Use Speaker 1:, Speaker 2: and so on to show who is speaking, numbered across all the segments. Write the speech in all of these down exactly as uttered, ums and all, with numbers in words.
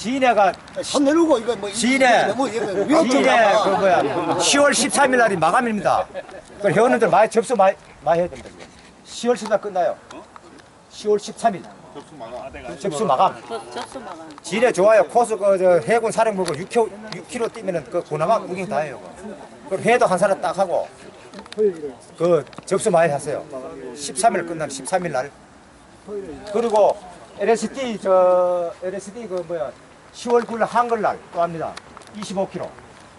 Speaker 1: 진해가
Speaker 2: 손 내밀고 이거 뭐
Speaker 1: 진해
Speaker 2: 뭐 이거
Speaker 1: 진해 그 뭐야 시월 십삼일 날이 마감입니다. 그 회원님들 많이 접수 많이 많이 해야 됩니다. 시월 십삼 일 끝나요. 시월 십삼일 접수 마감.
Speaker 3: 접수 마감.
Speaker 1: 진해 좋아요. 코스 그저 해군 사령부고 육 킬로미터 육 킬로미터 뛰면은 그 고나마 구경 다 해요. 그 회도 한 사람 딱 하고 그 접수 많이 하세요. 십삼일 끝나는 십삼일 날. 그리고 엘에스디 저 엘에스디 그 뭐야 시월 구일 한글날 또 합니다. 이십오 킬로미터.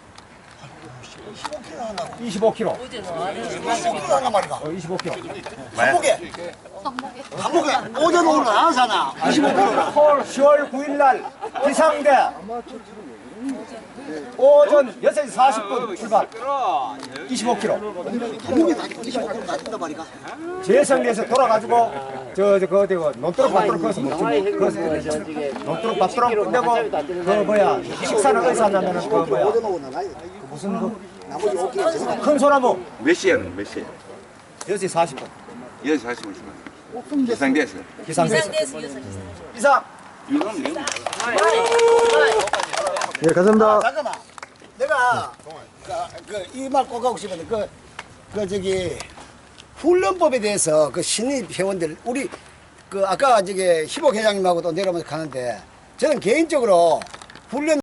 Speaker 1: 이십오 킬로미터.
Speaker 2: 이십오 킬로 한단 말이가.
Speaker 1: 어, 이십오 킬로미터.
Speaker 2: 한복에 한복에 오전 오늘 안 하잖아. 이십오 킬로.
Speaker 1: 시월 구일 날 기상대 오전 여섯 시 사십 분 출발. 이십오 킬로미터.
Speaker 2: 한복에 다 이십오 킬로 맞는단 말이가.
Speaker 1: 재성리에서 돌아가지고 저저 그 어디 그 논두렁 밭도록 거기서 먹지. 거기서 논두렁 밭도록 끝내고 그 뭐야 식사는 어디서 하냐면은 그 뭐야
Speaker 2: 오전 오늘 나이
Speaker 1: 무슨 그
Speaker 2: 나머지 오 킬로.
Speaker 1: 큰 소나무
Speaker 4: 몇 시에는 몇 시에?
Speaker 1: 여섯 시 사십 분
Speaker 4: 여섯 시 사십 분 기상대에서.
Speaker 1: 기상대에서
Speaker 3: 기상대에서 여섯 시.
Speaker 1: 이상.
Speaker 4: 이거는 뭐?
Speaker 5: 예, 감사합니다.
Speaker 2: 잠깐만. 내가 그 이 말 꼭 하고 싶은데 그, 그 저기 훈련법에 대해서 그 신입 회원들 우리 그 아까 저기 희복 회장님하고도 내려오면서 가는데 저는 개인적으로 훈련